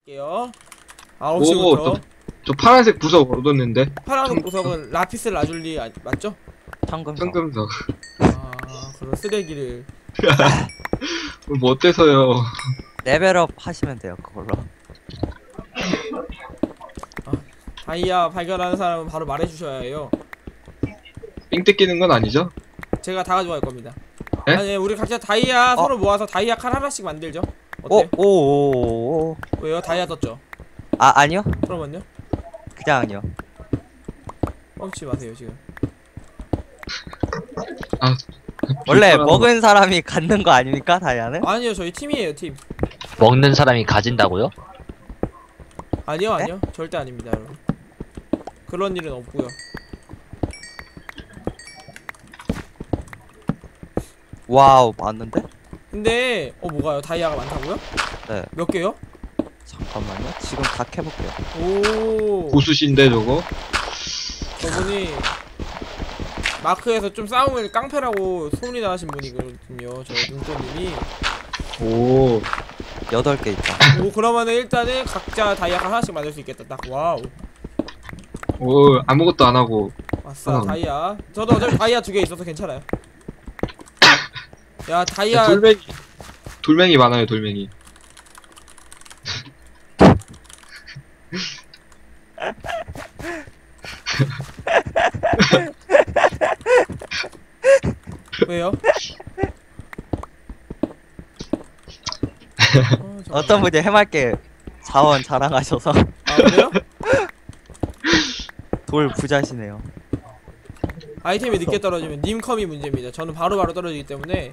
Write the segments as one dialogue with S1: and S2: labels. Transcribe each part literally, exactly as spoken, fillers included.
S1: 할게요.
S2: 오,
S1: 아홉 시부터.
S2: 저, 저 파란색 부석 얻었는데.
S1: 파란색 보석은 라피스 라줄리 아, 맞죠?
S3: 청금석.
S2: 청금석.
S1: 아, 그런 쓰레기를.
S2: 뭐 어때서요?
S3: 레벨업 하시면 돼요, 그걸로.
S1: 다이아 발견하는 사람은 바로 말해주셔야 해요.
S2: 삥 뜯기는 건 아니죠?
S1: 제가 다 가져갈 겁니다.
S2: 에?
S1: 아니, 우리 각자 다이아
S3: 어?
S1: 서로 모아서 다이아 칼 하나씩 만들죠.
S3: 오,
S1: 어때?
S3: 오, 오, 오.
S1: 왜요? 다이아 떴죠?
S3: 아, 아니요.
S1: 그러면요?
S3: 그냥요.
S1: 뻥치지 마세요, 지금.
S2: 아,
S3: 원래
S2: 불편하다.
S3: 먹은 사람이 갖는 거 아닙니까, 다이아는?
S1: 아니요, 저희 팀이에요, 팀.
S4: 먹는 사람이 가진다고요?
S1: 아니요, 아니요. 절대 아닙니다, 여러분. 그런 일은 없고요.
S3: 와우, 맞는데?
S1: 근데 어 뭐가요? 다이아가 많다고요?
S3: 네.
S1: 몇 개요?
S3: 잠깐만요. 지금 다 캐볼게요.
S1: 오.
S2: 고수신데 저거?
S1: 저분이 마크에서 좀 싸움을 깡패라고 소문이 나신 분이거든요. 저 눈꽃님이.
S2: 오,
S3: 여덟 개 있다.
S1: 오, 그러면은 일단은 각자 다이아 하나씩 만들 수 있겠다. 딱 와우.
S2: 오, 아무것도 안 하고.
S1: 아싸,
S2: 하나.
S1: 다이아. 저도 어차피 다이아 두 개 있어서 괜찮아요. 야, 다이아.
S2: 돌멩이, 돌멩이 많아요, 돌멩이.
S1: 왜요? 어,
S3: 어떤 분이 해맑게 자원 자랑하셔서
S1: 아, 그래요?
S3: 돌 부자시네요.
S1: 아이템이 늦게 떨어지면 님컴이 문제입니다. 저는 바로바로 바로 떨어지기 때문에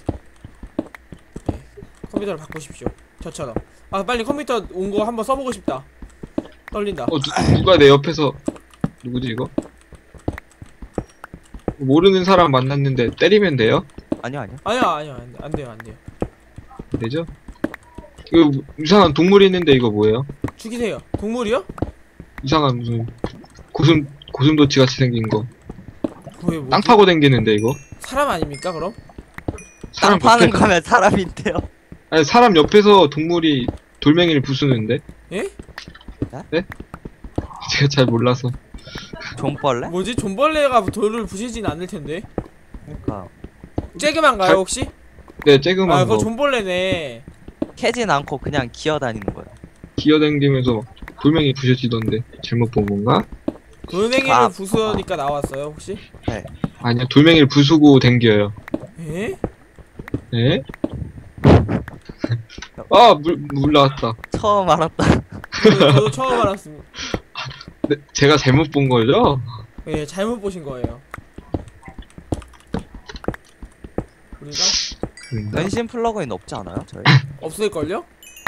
S1: 네, 컴퓨터를 바꾸십시오. 저처럼. 아, 빨리 컴퓨터 온 거 한번 써보고 싶다. 떨린다.
S2: 어, 누, 누가 내 옆에서, 누구지 이거? 모르는 사람 만났는데 때리면 돼요?
S3: 아니요, 아니요.
S1: 아니야, 아니야, 안, 돼, 안 돼요, 안 돼요.
S2: 안 되죠? 이거 이상한 동물이 있는데 이거 뭐예요?
S1: 죽이세요. 동물이요?
S2: 이상한 무슨 고슴 고슴도치 같이 생긴 거.
S1: 그게 뭐지?
S2: 땅 파고 댕기는데 이거?
S1: 사람 아닙니까, 그럼?
S3: 땅
S2: 사람
S3: 파는
S2: 옆에,
S3: 거면 사람인데요.
S2: 아니 사람 옆에서 동물이 돌멩이를 부수는데?
S1: 예?
S2: 네? 제가 잘 몰라서.
S3: 종벌레?
S1: 뭐지? 존벌레가 돌을 부시진 않을 텐데.
S3: 그러니까
S1: 쬐그만가요,
S2: 잘-
S1: 혹시?
S2: 네, 쬐그만
S1: 아,
S2: 거
S1: 그거 존벌레네.
S3: 캐진 않고 그냥 기어다니는 거예요.
S2: 기어댕기면서 돌멩이 부셔지던데 잘못 본 건가?
S1: 돌멩이를
S3: 아,
S1: 부수니까 나왔어요, 혹시?
S2: 아니요, 돌멩이를 부수고 댕겨요.
S1: 에?
S2: 네? 아, 물, 물 나왔다.
S3: 처음 알았다.
S1: 저도, 저도 처음 알았습니다.
S2: 네, 제가 잘못 본 거죠?
S1: 예, 잘못 보신 거예요. 우리가
S2: 그런가?
S3: 변신 플러그인 없지 않아요, 저희?
S1: 없을걸요?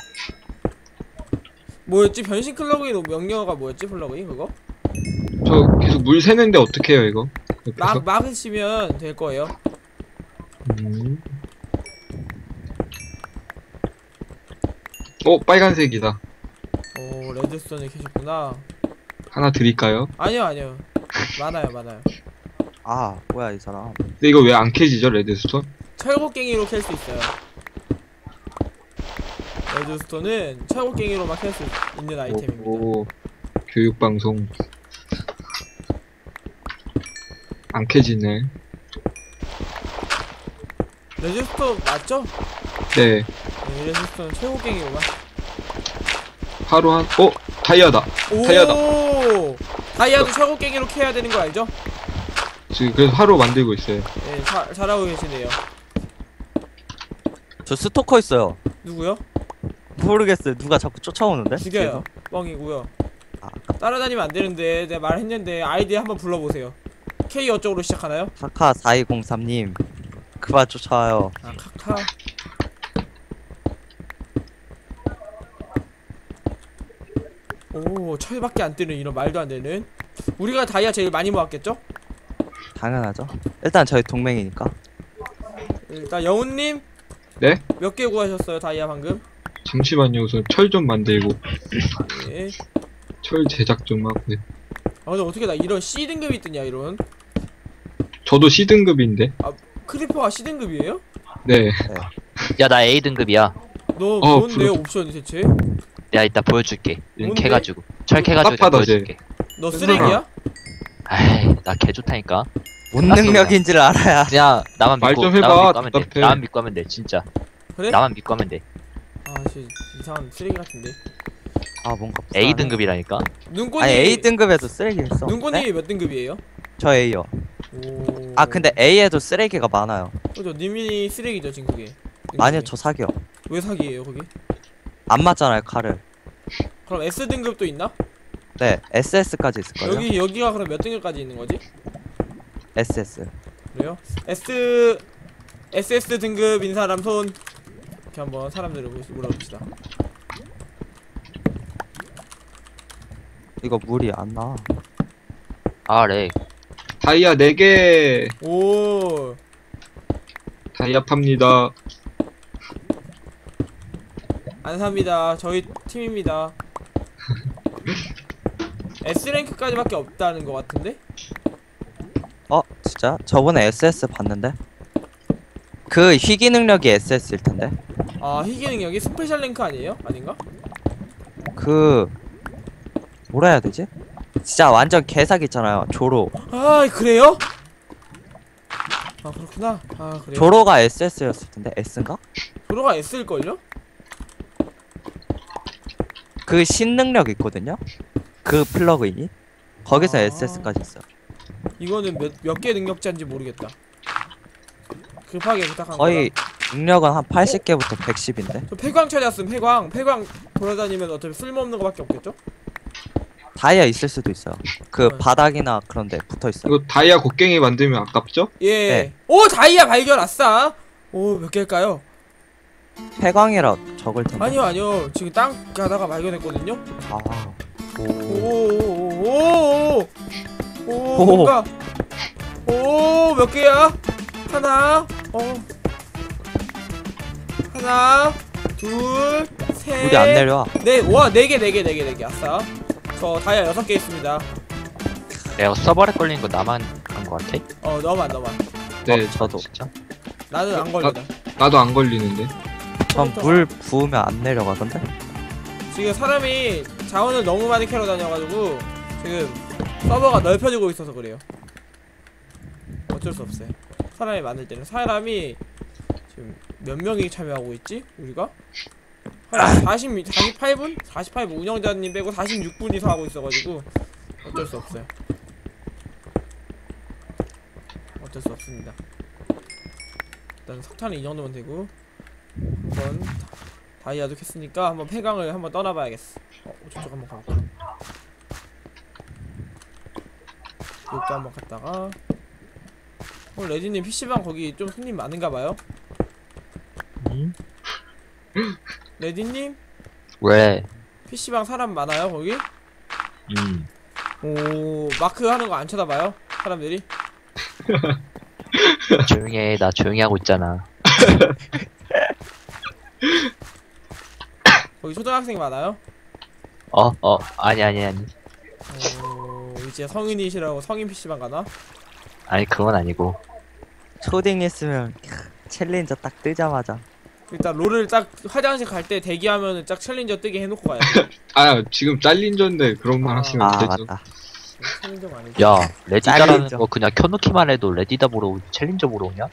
S1: 뭐였지? 변신 플러그인 명령어가 뭐였지? 플러그인 그거?
S2: 저 계속 물 새는데 어떻게 해요, 이거? 옆에서?
S1: 막, 막으시면 될 거예요.
S2: 음. 어, 빨간색이다.
S1: 오, 레드스톤을 캐셨구나.
S2: 하나 드릴까요?
S1: 아니요, 아니요. 많아요, 많아요.
S3: 아, 뭐야 이 사람.
S2: 근데 이거 왜 안 캐지죠, 레드스톤?
S1: 철곡갱이로 캘 수 있어요. 레드스톤은 철곡갱이로만 캘 수 있는 아이템입니다.
S2: 오, 교육방송. 안 캐지네.
S1: 레드스톤 맞죠?
S2: 네.
S1: 네, 레드스톤은 철곡갱이로만.
S2: 하루 한, 어? 다이아다. 다이아다.
S1: 오! 다이아도 철곡갱이로 캐야 되는 거 알죠?
S2: 지금 그래서 하루 만들고 있어요.
S1: 네, 자, 잘하고 계시네요.
S3: 저 스토커 있어요.
S1: 누구요?
S3: 모르겠어요. 누가 자꾸 쫓아오는데?
S1: 죽여요. 뻥이고요.
S3: 아,
S1: 따라다니면 안 되는데 내가 말했는데 아이디 한번 불러보세요. K 어쪽으로 시작하나요?
S3: 카카 사이공삼님 그만 쫓아와요.
S1: 아, 카카. 오, 철밖에 안 뜨는 이런 말도 안 되는. 우리가 다이아 제일 많이 모았겠죠?
S3: 당연하죠. 일단 저희 동맹이니까.
S1: 일단 영훈님
S2: 네?
S1: 몇 개 구하셨어요 다이아 방금?
S2: 잠시만요. 우선 철 좀 만들고.
S1: 네.
S2: 철 제작 좀 하고.
S1: 아, 근데 어떻게 나 이런 C 등급이 뜨냐 이런.
S2: 저도 C등급인데.
S1: 크리퍼가 C 등급이에요?
S2: 네.
S4: 야, 나 A 등급이야.
S1: 너
S2: 어,
S1: 뭔데
S2: 부러-
S1: 옵션이 대체?
S4: 내가 이따 보여줄게. 은
S1: 뭔데?
S4: 캐가지고. 철 캐가지고 내가
S2: 깝하다, 쟤.
S4: 보여줄게.
S1: 너 쓰레기야?
S4: 아이, 나 개 좋다니까.
S3: 뭔
S4: 알았어,
S3: 능력인지를 알아야.
S4: 그냥 나만
S2: 말
S4: 믿고,
S2: 좀 해봐,
S4: 나만 믿고 하면 돼.
S2: 답답해.
S4: 나만 믿고 하면 돼, 진짜.
S1: 그래?
S4: 나만 믿고 하면 돼.
S1: 아, 씨 이상한 쓰레기 같은데.
S3: 아 뭔가.
S4: A
S3: 불안해.
S4: 등급이라니까.
S1: 눈꽃이
S3: 아니 A 등급에도 쓰레기 있어.
S1: 눈꽃이
S3: 네?
S1: 몇 등급이에요?
S3: 저 A요.
S1: 오.
S3: 아 근데 A에도 쓰레기가 많아요.
S1: 그죠, 님이 쓰레기죠 지금 그게.
S3: 아니요 저 사기요.
S1: 왜 사기예요 거기?
S3: 안 맞잖아요 칼을.
S1: 그럼 S 등급도 있나?
S3: 네 에스에스까지 있을걸요.
S1: 여기 여기가 그럼 몇 등급까지 있는 거지?
S3: 에스에스.
S1: 그래요? S 에스에스 등급인 사람 손. 이렇게 한번 사람들을 물- 물어봅시다.
S3: 이거 물이 안 나.
S4: 아, 렉.
S2: 다이아 네 개.
S1: 오.
S2: 다이아 팝니다.
S1: 안 삽니다. 저희 팀입니다. S 랭크까지밖에 없다는 것 같은데?
S3: 어 진짜? 저번에 에스에스 봤는데. 그 희귀 능력이 에스에스일 텐데.
S1: 아, 희귀 능력이 스페셜 랭크 아니에요? 아닌가?
S3: 그 뭐라 해야 되지? 진짜 완전 개사기 있잖아요. 조로.
S1: 아, 그래요? 아, 그렇구나. 아, 그래요?
S3: 조로가 에스에스였을 텐데. S인가?
S1: 조로가 S일걸요?
S3: 그 신능력 있거든요. 그 플러그인이 거기서
S1: 아.
S3: 에스에스까지 있어요.
S1: 이거는 몇, 몇 개 능력자인지 모르겠다. 급하게 부탁한
S3: 거의
S1: 거다.
S3: 능력은 한 팔십 개부터 백십인데.
S1: 저 폐광 찾았음, 폐광. 폐광 돌아다니면 어차피 쓸모없는 거밖에 없겠죠?
S3: 다이아 있을 수도 있어요. 그
S1: 네.
S3: 바닥이나 그런데 붙어 있어요.
S2: 이거 다이아 곡괭이 만들면 아깝죠?
S1: 예.
S3: 네.
S1: 오, 다이아 발견, 아싸! 오, 몇 개일까요?
S3: 폐광이라 적을 텐데.
S1: 아니요, 아니요. 지금 땅 가다가 발견했거든요?
S3: 아. 오.
S1: 오오오오오오 오,
S3: 오.
S1: 뭔가 오, 몇 개야? 하나, 어, 하나, 둘, 셋,
S3: 물이 안 내려와.
S1: 네, 와, 네 개, 네 개, 네 개, 네 개, 아싸. 저 다이아 여섯 개 있습니다.
S4: 내가 서버에 걸린 거 나만 그런 거 같아?
S1: 어, 너만, 너만.
S2: 네.
S3: 어, 저도.
S4: 진짜?
S1: 나는 안 걸리다.
S2: 나도 안 걸리는데.
S3: 전 물 부으면 안 내려가던데.
S1: 지금 사람이 자원을 너무 많이 캐러 다녀가지고 지금 서버가 넓혀지고 있어서 그래요. 어쩔 수 없어요. 사람이 많을 때는. 사람이 지금 몇 명이 참여하고 있지? 우리가? 한 사십, 사십팔 분? 사십팔 분 운영자님 빼고 사십육 분이서 하고 있어가지고 어쩔 수 없어요. 어쩔 수 없습니다. 일단 석탄은 이 정도면 되고 한번 다이아도 캤으니까 한번 폐광을 한번 떠나봐야겠어. 어, 저쪽 한번 가볼까? 이것도 한번 갔다가 어, 레디님 피시방 거기 좀 손님 많은가봐요?
S4: 응?
S1: 레디님?
S4: 왜?
S1: 피시방 사람 많아요 거기?
S4: 음.
S1: 오, 마크 하는 거 안 쳐다봐요? 사람들이?
S4: 조용히 해. 나 조용히 하고 있잖아.
S1: 거기 초등학생 많아요?
S4: 어? 어? 아니, 아니, 아니.
S1: 오, 이제 성인이시라고 성인 피시방 가나?
S4: 아니, 그건 아니고.
S3: 초딩 있으면 챌린저 딱 뜨자마자.
S1: 일단 롤을 딱 화장실 갈 때 대기하면은 딱 챌린저 뜨게 해놓고 가야 돼.
S2: 아, 지금 잘린 전데 그런 말
S1: 아.
S2: 하시면 안
S3: 아
S2: 되죠.
S3: 맞다.
S1: 챌린저가 아니지.
S4: 야, 레디다라는
S3: 챌린저.
S4: 거 그냥 켜놓기만 해도 레디다 보러 오지 챌린저 보러 오냐?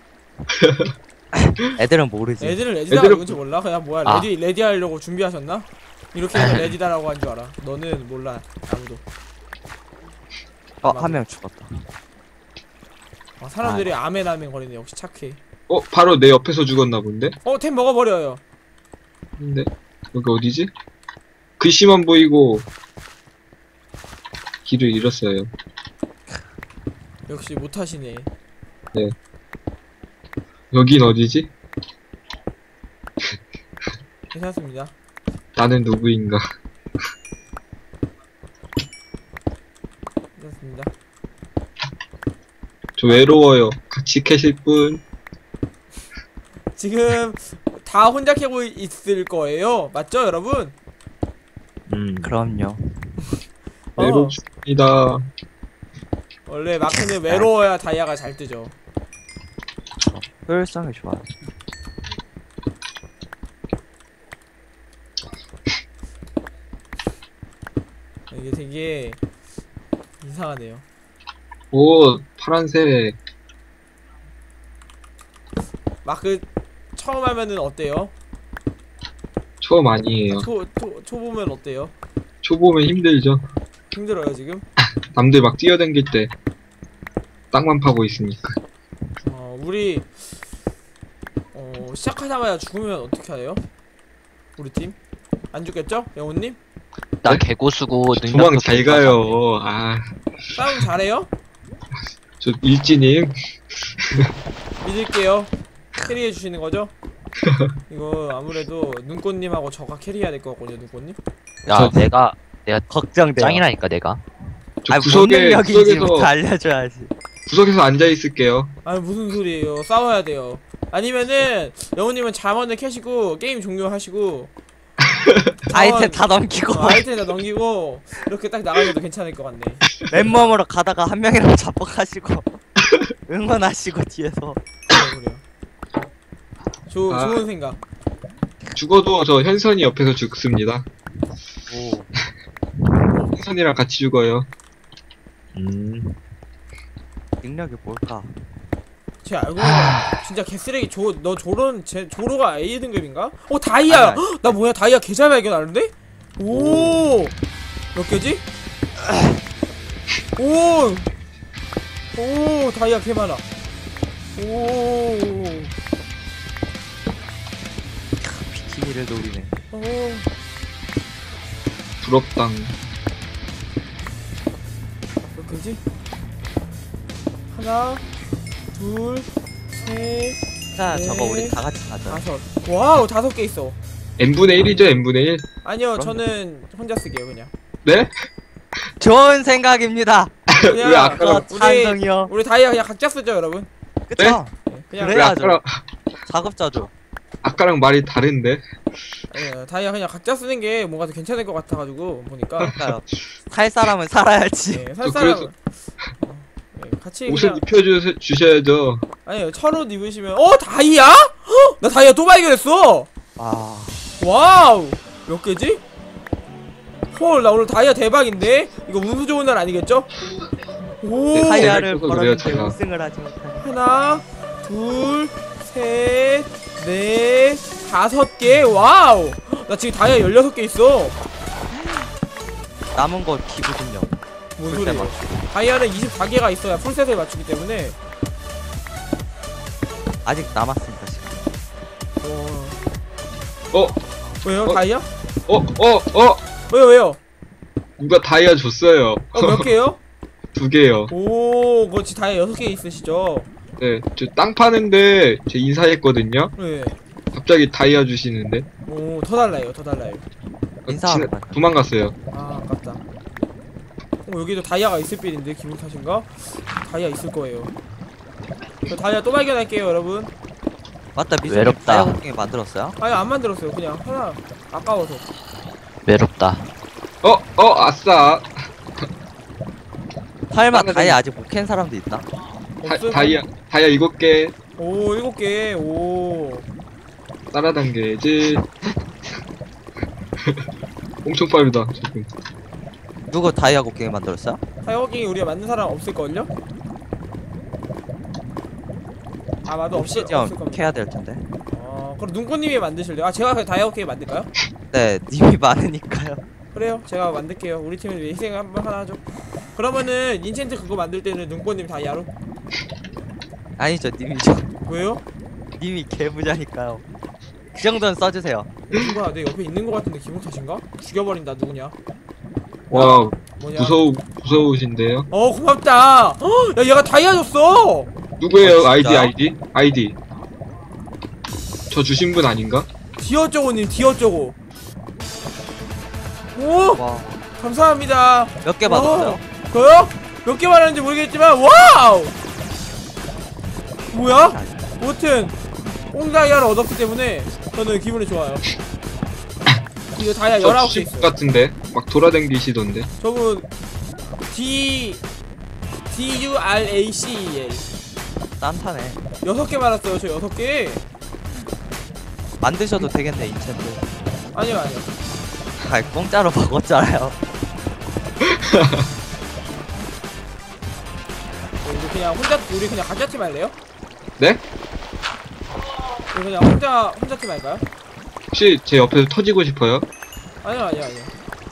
S3: 애들은 모르지.
S1: 애들은 레디다가
S2: 애들은-
S1: 누군지 몰라? 그냥 뭐야
S4: 아.
S1: 레디 레디 하려고 준비하셨나? 이렇게 해서 레디다라고 한 줄 알아. 너는 몰라 아무도.
S3: 어 한 명 죽었다.
S1: 아, 사람들이 아멘 아멘 거리네. 역시 착해.
S2: 어, 바로 내 옆에서 죽었나 본데?
S1: 어, 템 먹어버려요.
S2: 근데 여기 어디지? 글씨만 보이고 길을 잃었어요.
S1: 역시 못하시네.
S2: 여긴 어디지?
S1: 괜찮습니다.
S2: 나는 누구인가?
S1: 괜찮습니다.
S2: 저 외로워요. 같이 캐실 분?
S1: 지금 다 혼자 캐고 있을 거예요. 맞죠, 여러분?
S4: 음.
S3: 그럼요.
S1: 어,
S2: 외롭습니다.
S1: 원래 마크는 외로워야 다이아가 잘 뜨죠.
S3: 효율성이 좋아요.
S1: 이게 되게 이상하네요.
S2: 오, 파란색.
S1: 막 그 처음 하면은 어때요?
S2: 처음 아니에요.
S1: 초, 초, 초보면 어때요?
S2: 초보면 힘들죠.
S1: 힘들어요 지금?
S2: 남들 막 뛰어댕길 때 땅만 파고 있으니까.
S1: 어 우리 어 시작하자마자 죽으면 어떻게 해요? 우리 팀? 안 죽겠죠? 영훈님?
S4: 나
S2: 네?
S4: 개고수고
S2: 도망
S4: 능력도
S2: 잘
S4: 괜찮아.
S2: 가요. 아,
S1: 싸움 잘해요?
S2: 저 일진님.
S1: 믿을게요. 캐리해 주시는 거죠? 이거 아무래도 눈꽃님하고 저가 캐리해야 될 것 같거든요, 눈꽃님.
S4: 야
S2: 저-
S4: 내가 내가
S3: 걱정돼요.
S4: 짱이라니까 내가.
S2: 저
S3: 아니, 뭔
S2: 구석에
S3: 능력인지부터
S2: 구석에서
S3: 알려줘야지.
S2: 구석에서 앉아 있을게요.
S1: 아 무슨 소리예요? 싸워야 돼요. 아니면은 영훈님은 잠원을 캐시고 게임 종료하시고
S3: 아이템 다 넘기고
S1: 어, 아이템 다 넘기고 이렇게 딱 나가셔도 괜찮을 것 같네.
S3: 맨몸으로 가다가 한 명이랑 잡복하시고 응원하시고 뒤에서.
S1: 그래요, 그래요. 조,
S2: 아.
S1: 좋은 생각.
S2: 죽어도 저 현선이 옆에서 죽습니다.
S3: 오.
S2: 현선이랑 같이 죽어요.
S4: 음.
S3: 능력이 뭘까?
S1: 제 알고 보니까 진짜 개쓰레기. 조, 너 조론 제 조로가 A 등급인가? 어 다이아.
S3: 아니, 아니.
S1: 헉, 나 뭐야 다이아 개잘 발견하는데? 오. 몇 개지? 오. 오 다이아 개 많아. 오.
S3: 비키니를 노리네.
S1: 오.
S2: 부럽당.
S1: 몇 개지? 하나, 둘, 셋,
S3: 자,
S1: 네.
S3: 저거 우리 다 같이 가자.
S1: 다섯. 와우 다섯 개 있어.
S2: n분의 일이죠, n분의 일?
S1: 아니요
S3: 그럼요.
S1: 저는 혼자 쓰게요 그냥.
S2: 네?
S3: 좋은 생각입니다.
S1: 그냥
S2: 왜 아까-
S3: 어,
S1: 우리
S3: 찬성이요.
S1: 우리 다이아 그냥 각자 쓰죠 여러분.
S3: 그쵸?
S1: 네, 그냥
S3: 그래?
S2: 왜
S3: 해야죠.
S2: 아까랑,
S3: 작업자죠.
S2: 아까랑 말이 다른데?
S1: 예, 다이아 그냥 각자 쓰는 게 뭔가 더 괜찮을 것 같아가지고 보니까.
S3: 그러니까요. 살 사람은 살아야지.
S1: 예, 살
S2: 저
S1: 사람.
S2: 그래서-
S1: 어, 예, 같이
S2: 옷을
S1: 그냥
S2: 입혀주셔야죠.
S1: 아니요 천옷 입으시면 어 다이아? 헉! 나 다이아 또 발견했어.
S3: 아,
S1: 와우 몇 개지? 헐 나 오늘 다이아 대박인데? 이거 운수 좋은 날 아니겠죠? 오
S2: 네,
S3: 타이어를
S2: 제가 그래요,
S3: 벌었는데
S2: 제가.
S3: 우승을 하지 못하네.
S1: 하나 둘셋넷 다섯 개 와우 나 지금 다이아 열여섯 개 있어.
S3: 남은 거 기부금요.
S1: 뭔
S3: 풀셋
S1: 소리야.
S3: 맞추기.
S1: 다이아는 이십사 개가 있어야 풀셋을 맞추기 때문에.
S3: 아직 남았습니다 지금.
S1: 와.
S2: 어,
S1: 왜요
S2: 어?
S1: 다이아?
S2: 어, 어, 어!
S1: 왜요 왜요?
S2: 누가 다이아 줬어요.
S1: 어 몇 개요?
S2: 두 개요.
S1: 오 그거 지금 다이아 여섯 개 있으시죠?
S2: 네, 저 땅 파는데 제 인사했거든요.
S1: 네.
S2: 갑자기 다이아 주시는데.
S1: 오더 달라요 더 달라요.
S2: 어,
S3: 인사하러
S2: 지나-
S3: 가자.
S2: 도망갔어요.
S1: 아 아깝다. 어 여기도 다이아가 있을 빌인데 기분 탓인가? 다이아 있을 거예요. 저 다이아 또 발견할게요 여러분.
S3: 맞다, 미소님
S4: 외롭다.
S3: 다이아 곡괭이 만들었어요?
S1: 아니 안 만들었어요 그냥 하나 아까워서.
S4: 외롭다.
S2: 어, 어, 아싸.
S3: 설마
S2: 나는
S3: 다이아 아직 못 캔 사람도 있나?
S2: 다,
S1: 없을
S2: 다이아, 다이아 일곱 개
S1: 오 일곱 개. 오.
S2: 따라당겨야지. 엄청 빠르다, 지금.
S3: 누구 다이아 곡괭이 만들었어요?
S1: 타이어킹이 우리가 만든 사람 없을걸요? 아마도 없을,
S3: 옵시디언
S1: 없을 겁니다.
S3: 캐야 될 텐데.
S1: 어 그럼 눈꽃님이 만드실래요? 아 제가 그 다이어킹 만들까요?
S3: 네, 님이 많으니까요.
S1: 그래요 제가 만들게요. 우리 팀을 위해 희생 한번 하나 하죠. 그러면은 인챈트 그거 만들 때는 눈꽃님 다이아로?
S3: 아니죠, 님이죠.
S1: 왜요?
S3: 님이 개부자니까요. 그 정도는 써주세요.
S1: 누가 내 옆에 있는 거 같은데 기분 탓인가? 죽여버린다 누구냐?
S2: 와,
S1: 뭐냐?
S2: 무서우, 무서우신데요?
S1: 어 고맙다. 헉, 야 얘가 다이아 줬어.
S2: 누구예요?
S3: 어,
S2: 아이디,
S3: 진짜요?
S2: 아이디? 아이디. 저 주신 분 아닌가?
S1: 디어쩌고님 디어쩌고. 오
S3: 와,
S1: 감사합니다.
S3: 몇 개 받았어요?
S1: 저요? 몇 개 받았는지 모르겠지만 와우! 뭐야? 아무튼 꽁다이아를 얻었기 때문에 저는 기분이 좋아요. 이거 다이아
S2: 저
S1: 열아홉 개
S2: 주신 분
S1: 있어요.
S2: 같은데? 막 돌아다니시던데?
S1: 저분 D D U R A C E L
S3: 딴타네.
S1: 여섯 개 받았어요. 저 여섯 개.
S3: 만드셔도 되겠네, 인챈트.
S1: 아니요 아니요.
S3: 아, 공짜로 먹었잖아요.
S1: 우리 그냥 혼자 우리 그냥 각자 팀 할래요?
S2: 네?
S1: 우리 그냥 혼자 혼자 팀 할까요?
S2: 혹시 제 옆에서 터지고 싶어요?
S1: 아니요 아니요 아니요.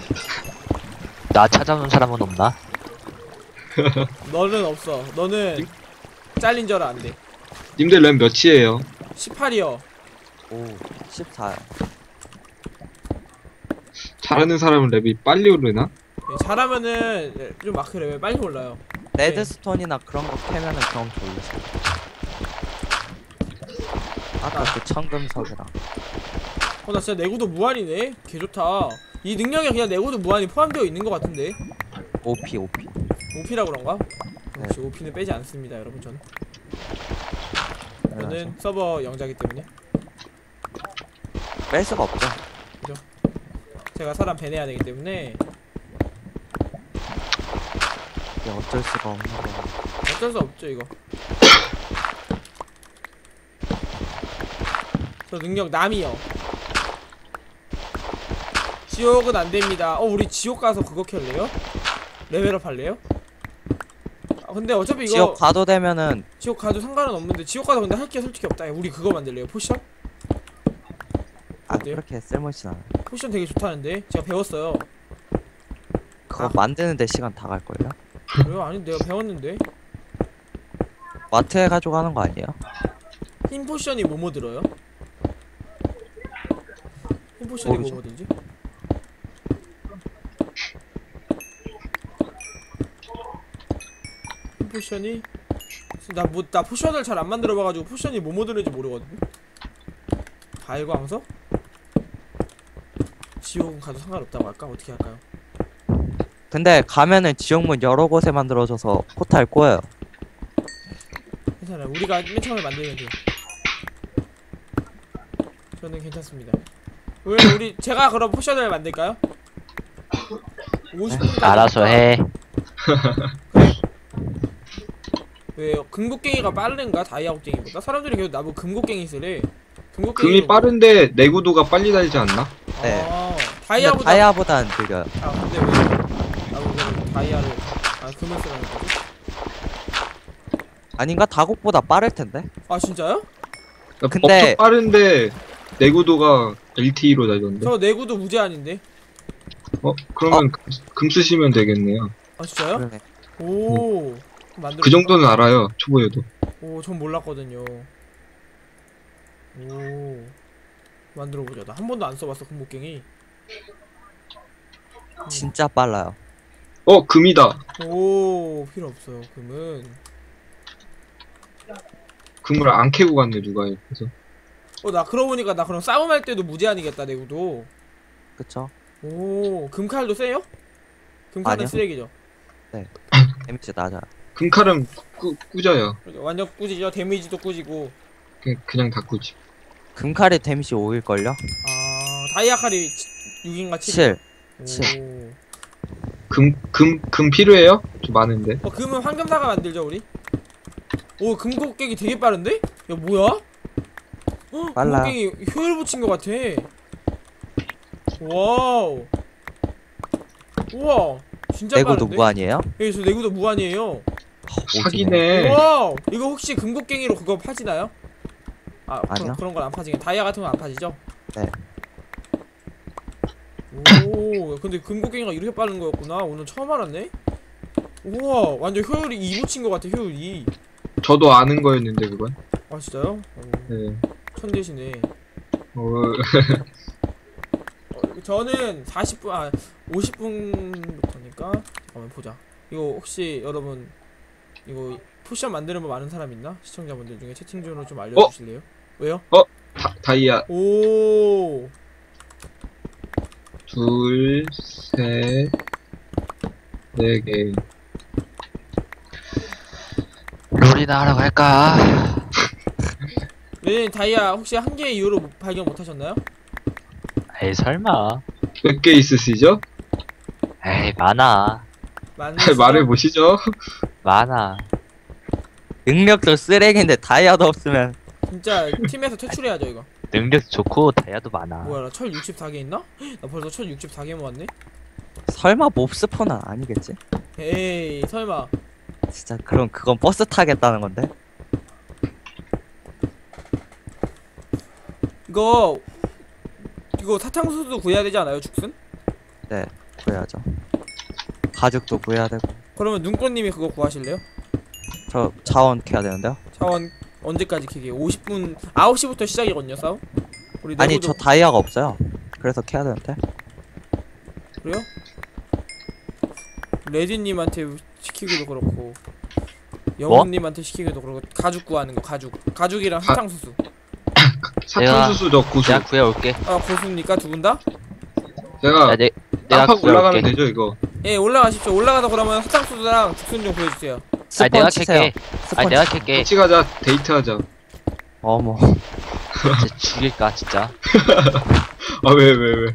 S4: 나 찾아오는 사람은 없나?
S1: 너는 없어. 너는 잘린 줄 안 돼.
S2: 님들 램 몇이에요?
S1: 십팔이요.
S3: 오 십사요.
S2: 잘하는 사람은 랩이 빨리 오르나?
S1: 네, 잘하면은 좀 마크 레벨 빨리 올라요.
S3: 레드스톤이나 그런 거 캐면은 경험 돌리죠. 아까 그 청금석이랑.
S1: 어 나 진짜 내구도 무한이네. 개 좋다. 이 능력에 그냥 내구도 무한이 포함되어 있는 것 같은데.
S3: 오피 오피.
S1: 오피라 그런가?
S3: 네.
S1: 역시 오피는 빼지 않습니다, 여러분. 저는 저는
S3: 그래서
S1: 서버 영자기 때문에
S3: 뺄 수가 없죠.
S1: 제가 사람 배내야 되기 때문에
S3: 이게 어쩔 수가 없는 거.
S1: 어쩔 수 없죠 이거. 저 능력 남이요. 지옥은 안 됩니다. 어 우리 지옥 가서 그거 켤래요? 레벨업 할래요? 아 근데 어차피 이거
S3: 지옥 가도 되면은
S1: 지옥 가도 상관은 없는데 지옥 가서 근데 할 게 솔직히 없다. 우리 그거 만들래요? 포션?
S3: 아
S1: 어때요?
S3: 그렇게 쓸모있진 않아요.
S1: 포션 되게 좋다는데 제가 배웠어요.
S3: 그거
S1: 아.
S3: 만드는데 시간 다 갈걸요?
S1: 그래요? 아니 내가 배웠는데
S3: 마트에 가지고 가는 거 아니에요?
S1: 흰 포션이 뭐뭐 들어요? 흰 포션이
S3: 모르죠.
S1: 뭐뭐 들지? 흰 포션이 나 뭐 나 포션을 잘 안 만들어봐가지고 포션이 뭐뭐 들는지 모르거든. 달광석? 지옥은 가도 상관없다고 할까? 어떻게 할까요?
S3: 근데 가면은 지옥문 여러 곳에 만들어져서 포탈 꼬여요.
S1: 괜찮아요. 우리가 맨 처음에 만들면 돼요. 저는 괜찮습니다. 왜 우리 제가 그럼 포션을 만들까요? 오십 분까지
S4: 알아서 해.
S1: 왜요? 금곡갱이가 빠른가? 다이아곡갱이보다? 사람들이 계속 나보고 금곡갱이 쓰래. 금곡갱이
S2: 금이 빠른데 내구도가 빨리 달지 않나?
S3: 네.
S1: 아,
S3: 근데
S1: 다이아보다
S3: 다이아보다는 느려요.
S1: 아 근데 왜 나보고 그럼 다이아를 아 금을 쓰라는 거지?
S3: 아닌가? 다곡보다 빠를 텐데.
S1: 아 진짜요?
S3: 근데-
S2: 엄청 빠른데 내구도가 엘티이로 달던데.
S1: 저 내구도 무제한인데.
S2: 어? 그러면 금, 금 쓰시면 되겠네요.
S1: 아 진짜요?
S3: 그러네.
S1: 오. 그럼 만들어.
S2: 그 정도는 알아요. 초보여도.
S1: 오, 전 몰랐거든요. 오. 만들어 보자. 나 한 번도 안 써봤어 금곡갱이. 음.
S3: 진짜 빨라요.
S2: 어? 금이다.
S1: 오, 필요 없어요. 금은.
S2: 금을 안 캐고 갔네 누가. 그래서
S1: 어, 나 그러고 보니까 나 그럼 싸움할 때도 무제한이겠다 내구도.
S3: 그쵸?
S1: 오, 금칼도 세요? 금칼은
S3: 아니요.
S1: 쓰레기죠.
S3: 데미지 낮아요.
S2: 금칼은 꾸, 꾸져요.
S1: 완전 꾸지죠. 데미지도 꾸지고.
S2: 그냥, 그냥 다 꾸지.
S3: 금칼이 데미지 오일걸요?
S1: 아, 다이아 칼이 육인가 칠?
S3: 칠.
S1: 오.
S3: 칠.
S2: 금, 금, 금 필요해요? 좀 많은데.
S1: 어, 금은 황금사가 만들죠 우리? 오, 금곡갱이 되게 빠른데? 야 뭐야? 헉,
S3: 빨라요.
S1: 금곡갱이 효율 붙인 것 같아. 와우. 우와, 진짜
S3: 내구도
S1: 빠른데?
S3: 무한이에요?
S1: 예, 저 내구도 무한이에요.
S2: 사기네.
S1: 와우. 이거 혹시 금곡갱이로 그거 파지나요? 아,
S3: 아니요.
S1: 그런, 그런 건 안 파지게. 다이아 같은 건 안 파지죠?
S3: 네.
S1: 오, 근데 금곡갱이가 이렇게 빠른 거였구나. 오늘 처음 알았네. 우와, 완전 효율이 이 붙인 것 같아. 효율이.
S2: 저도 아는 거였는데 그건.
S1: 아 진짜요? 오,
S2: 네.
S1: 천재시네.
S2: 어,
S1: 어, 저는 사십 분, 아 오십 분부터니까 잠깐만 보자. 이거 혹시 여러분 이거 포션 만드는 법 아는 사람 있나? 시청자분들 중에 채팅창으로 좀 알려주실래요? 왜요?
S2: 다, 다이아
S1: 오,
S2: 둘, 셋, 네 개.
S4: 롤이나 하러 갈까?
S1: 네 다이아 혹시 한 개 이후로 못- 발견 못하셨나요?
S4: 에이 설마.
S2: 몇 개 있으시죠?
S4: 에이 많아.
S1: 많은
S2: 말해 보시죠.
S4: 많아.
S3: 능력도 쓰레기인데 다이아도 없으면
S1: 진짜 팀에서 퇴출해야죠 이거.
S4: 능력 좋고 다이아도 많아.
S1: 뭐야 나 철 육십사 개 있나? 나 벌써 철 육십사 개 모았네?
S3: 설마 몹스폰은 아니겠지?
S1: 에이 설마.
S3: 진짜 그럼 그건 버스 타겠다는 건데.
S1: 이거 이거 사탕수수 구해야 되지 않아요, 죽순?
S3: 네, 구해야죠. 가죽도 구해야 되고.
S1: 그러면 눈꽃님이 그거 구하실래요?
S3: 저 자원 캐야 되는데요.
S1: 자원 언제까지 캐게? 오십 분 아홉 시부터 시작이거든요, 싸움. 우리
S3: 아니
S1: 내부도-
S3: 저 다이아가 없어요. 그래서 캐야 되는데.
S1: 그래요? 레디님한테 시키기도 그렇고 영훈님한테 시키기도 그렇고 가죽 구하는 거 가죽 가죽이랑
S2: 가-
S1: 사탕수수.
S2: 사탕수수 저 고수.
S4: 내가 구해올게.
S1: 아 고수입니까 두 분 다?
S2: 제가
S4: 야, 내, 내가
S2: 깜빡 올라가면
S4: 구해올게.
S2: 되죠 이거.
S1: 예 올라가십시오. 올라가서 그러면 사탕수수랑 죽순 좀 구해주세요.
S4: 아니
S3: 스폰
S4: 내가
S3: 치세요.
S4: 캘게.
S3: 스폰
S4: 아니 내가
S3: 치-
S4: 캘게.
S2: 같이 가자. 데이트하자.
S3: 어머.
S4: 진짜 죽일까 진짜.
S2: 아 왜 왜 왜?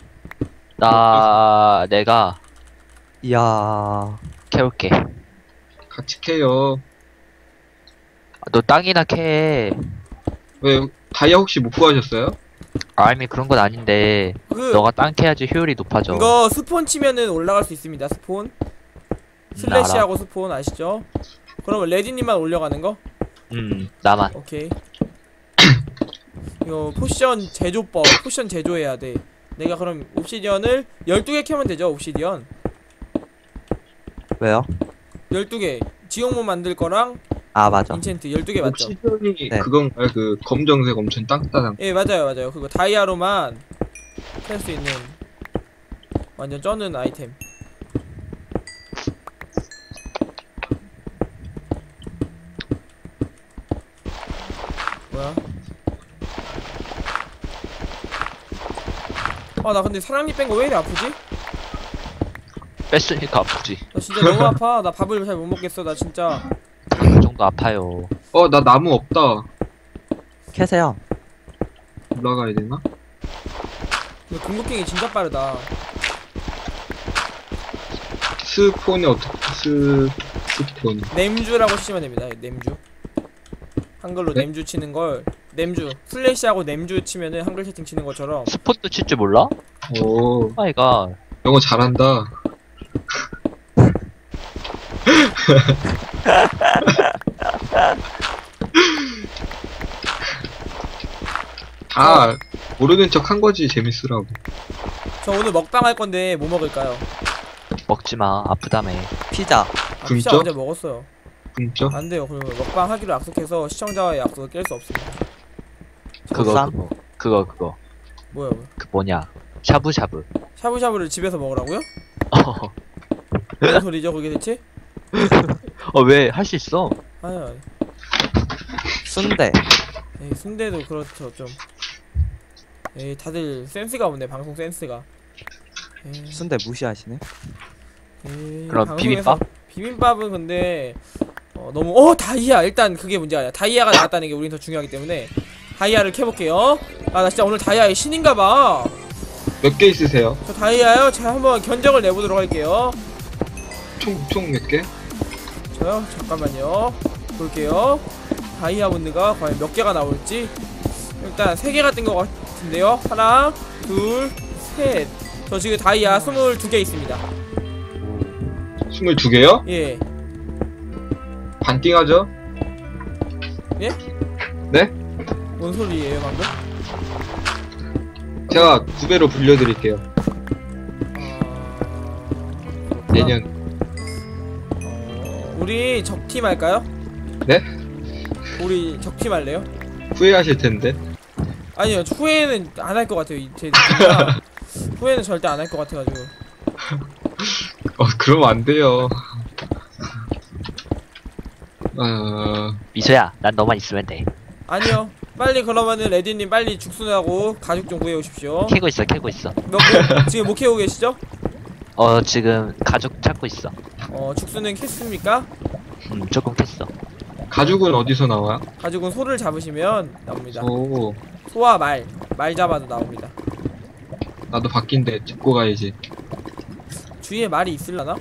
S4: 나 내가
S3: 이야.
S4: 캐올게.
S2: 같이 캐요.
S4: 너 땅이나 캐.
S2: 왜 다이아 혹시 못 구하셨어요?
S4: 아니 그런 건 아닌데
S1: 그
S4: 너가 땅 캐야지 효율이 높아져.
S1: 이거 스폰 치면은 올라갈 수 있습니다. 스폰 슬래시하고 스폰 아시죠? 그러면 레디님만 올려가는 거?
S4: 음 나만.
S1: 오케이. 이거 포션 제조법 포션 제조해야 돼. 내가 그럼 옵시디언을 열두 개 캐면 되죠. 옵시디언
S3: 왜요?
S1: 열두 개 지옥문 만들 거랑
S3: 아 맞아.
S1: 인챈트 열두 개 맞죠?
S2: 옵시전이
S3: 네.
S2: 그건가요? 그 검정색 엄청 땅따당.
S1: 예 맞아요 맞아요. 그거 다이아로만 캘 수 있는 완전 쩌는 아이템. 뭐야? 아 나 근데 사랑니 뺀 거 왜 이리 아프지?
S4: 뺐으니까 아프지.
S1: 나 진짜 너무 아파. 나 밥을 잘 못 먹겠어. 나 진짜.
S4: 그 정도 아파요.
S2: 어 나 나무 없다.
S3: 캐세요.
S2: 올라가야 되나?
S1: 근데 궁극갱이 진짜 빠르다.
S2: 스폰이 어떻게 스 스폰?
S1: 냄주라고 치시면 됩니다. 냄주. 한글로
S2: 네?
S1: 냄주 치는 걸 냄주 슬래시하고 냄주 치면은 한글 채팅 치는 것처럼.
S4: 스폰도 칠 줄 몰라?
S2: 오
S4: 아이가.
S2: 영어 잘한다. 다 모르는 척 한 거지 재밌으라고.
S1: 저 오늘 먹방 할 건데 뭐 먹을까요?
S4: 먹지 마. 아프다며.
S3: 피자.
S1: 아, 피자
S2: 굶죠?
S1: 어제 먹었어요.
S2: 진짜?
S1: 안 돼요. 그러면 먹방 하기로 약속해서 시청자와의 약속을 깰 수 없습니다.
S4: 그거
S3: 보쌈?
S4: 그거 그거 그거
S1: 뭐야, 뭐야?
S4: 그 뭐냐 샤브샤브.
S1: 샤브샤브를 집에서 먹으라고요?
S4: 어
S1: 무슨 소리죠, 그게 대체?
S4: 왜 할 수 있어?
S1: 아니, 아니.
S3: 순대.
S1: 에이, 순대도 그렇죠, 좀. 에이, 다들 센스가 없네, 방송 센스가. 에이,
S3: 순대 무시하시네.
S1: 에이,
S4: 그럼
S1: 방송에서-
S4: 비빔밥?
S1: 비빔밥은 근데 어, 너무 어 다이아 일단 그게 문제가 아니야. 다이아가 나왔다는 게 우린 더 중요하기 때문에 다이아를 캐볼게요. 아 나 진짜 오늘 다이아의 신인가봐.
S2: 몇 개 있으세요?
S1: 저 다이아요. 제가 한번 견적을 내보도록 할게요.
S2: 총 총 몇 개?
S1: 저요? 잠깐만요. 볼게요. 다이아몬드가 과연 몇 개가 나올지. 일단 세 개가 뜬 것 같은데요. 하나, 둘, 셋. 저 지금 다이아 스물두 개 있습니다.
S2: 스물두 개요?
S1: 예.
S2: 반띵하죠?
S1: 예?
S2: 네?
S1: 뭔 소리예요 방금?
S2: 제가 두 배로 불려드릴게요.
S1: 아...
S2: 내년.
S1: 어... 우리 적팀 할까요?
S2: 네?
S1: 우리 적팀 할래요?
S2: 후회하실 텐데.
S1: 아니요 후회는 안 할 것 같아요 이- 제 느낌이랑 후회는 절대 안 할 것 같아가지고.
S2: 어 그러면 안 돼요. 어...
S4: 미소야 난 너만 있으면 돼.
S1: 아니요 빨리 그러면은 레디님 빨리 죽순하고 가죽 좀 구해오십시오.
S4: 캐고 있어 캐고 있어.
S1: 몇 개? 지금 못 캐고 계시죠?
S4: 어 지금 가죽 찾고 있어.
S1: 어 죽순은 캤습니까?
S4: 음 조금 캤어.
S2: 가죽은 어디서 나와요?
S1: 가죽은 소를 잡으시면 나옵니다.
S2: 오
S1: 소와 말, 말 잡아도 나옵니다.
S2: 나도 바뀐데 짚고 가야지.
S1: 주위에 말이 있을라나?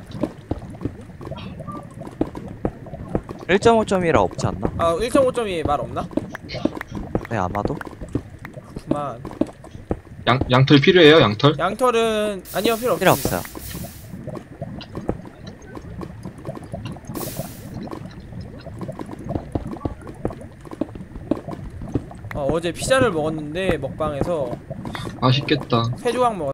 S3: 일 점 오 점이라 없지 않나?
S1: 아 일 점 오 점이 말 없나?
S3: 네 아마도.
S1: 그만.
S2: 양, 양털 필요해요, 양털?
S1: 양털은 아니요 필요 없습니다.
S3: 필요 없어요.
S1: 어, 어제 피자를 먹었는데 먹방에서
S2: 맛있겠다.
S1: 세 조각 먹었어요.